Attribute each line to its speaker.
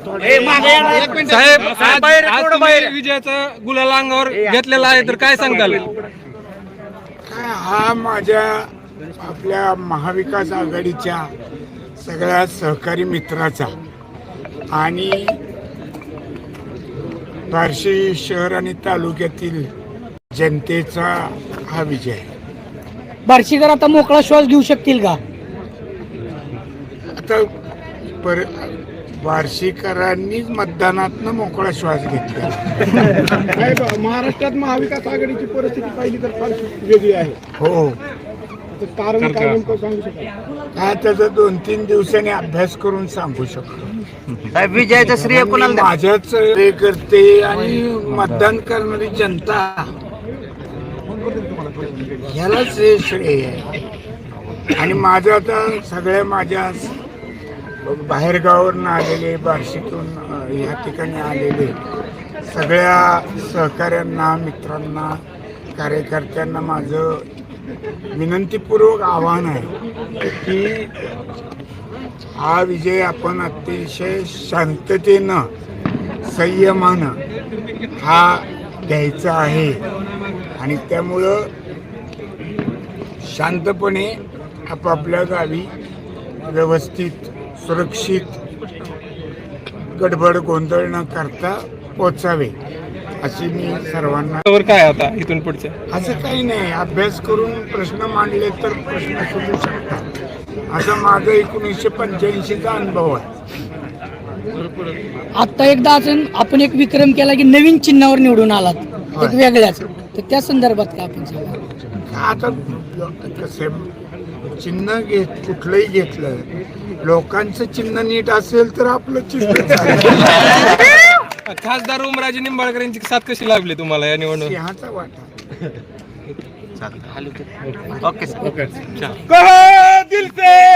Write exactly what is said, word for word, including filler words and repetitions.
Speaker 1: साहेब आज आज तुम्ही विजयाचा गुलाल अंगावर घेतलेला आहे तर काय सांगताल?
Speaker 2: हा माझ्या आपल्या महाविकास आघाडीच्या सगळ्या सहकारी मित्राचा आणि बार्शी शहर आणि तालुक्यातील जनतेचा हा विजय आहे.
Speaker 3: बार्शीकर आता मोकळा श्वास घेऊ शकतील का?
Speaker 2: आता पर बार्शीकरांनीच मतदानातनं मोकळा श्वास घेतला.
Speaker 4: महाराष्ट्रात महाविकास आघाडीची परिस्थिती पाहिली तर फार वेगळी आहे.
Speaker 2: हो,
Speaker 4: कारण काय नेमकं सांगू शकाल?
Speaker 2: काय त्याचा दोन तीन दिवसांनी अभ्यास करून सांगू शकतो.
Speaker 5: विजयाचं श्रेय कोणाला द्या?
Speaker 2: माझ्याच हे करते आणि मतदान करणारी जनता ह्यालाच हे श्रेय आहे. आणि माझं आता सगळ्या माझ्या बाहेरगावावरून आलेले बार्शीतून ह्या ठिकाणी आलेले सगळ्या सहकाऱ्यांना मित्रांना कार्यकर्त्यांना माझं विनंतीपूर्वक आव्हान आहे की हा विजय आपण अतिशय शांततेनं संयमानं हा घ्यायचा आहे. आणि त्यामुळं शांतपणे आपापल्या गावी व्यवस्थित सुरक्षित गडबड गोंधळ न करता पोचावे अशी मी सर्वांना.
Speaker 1: काय आता इथून पुढचे
Speaker 2: असं काही नाही, अभ्यास करून प्रश्न मांडले तर प्रश्न सुटू शकतात. असा माझा एकोणीसशे पंच्याऐंशीचा अनुभव आहे.
Speaker 3: आता एकदा अजून आपण एक विक्रम केला की नवीन चिन्हावर निवडून आलात एक वेगळ्याच, तर त्या संदर्भात काय आपण सांगा?
Speaker 2: आता कसे चिन्ह घेत कुठलंही घेतलं, लोकांचं चिन्ह नीट असेल तर आपलं चिन्ह
Speaker 1: खासदार उमराजे निंबाळकर यांची साथ कशी लागली तुम्हाला या निवडणूक?
Speaker 2: सिंहाचा वाटा.
Speaker 5: ओके
Speaker 1: कहा दिल से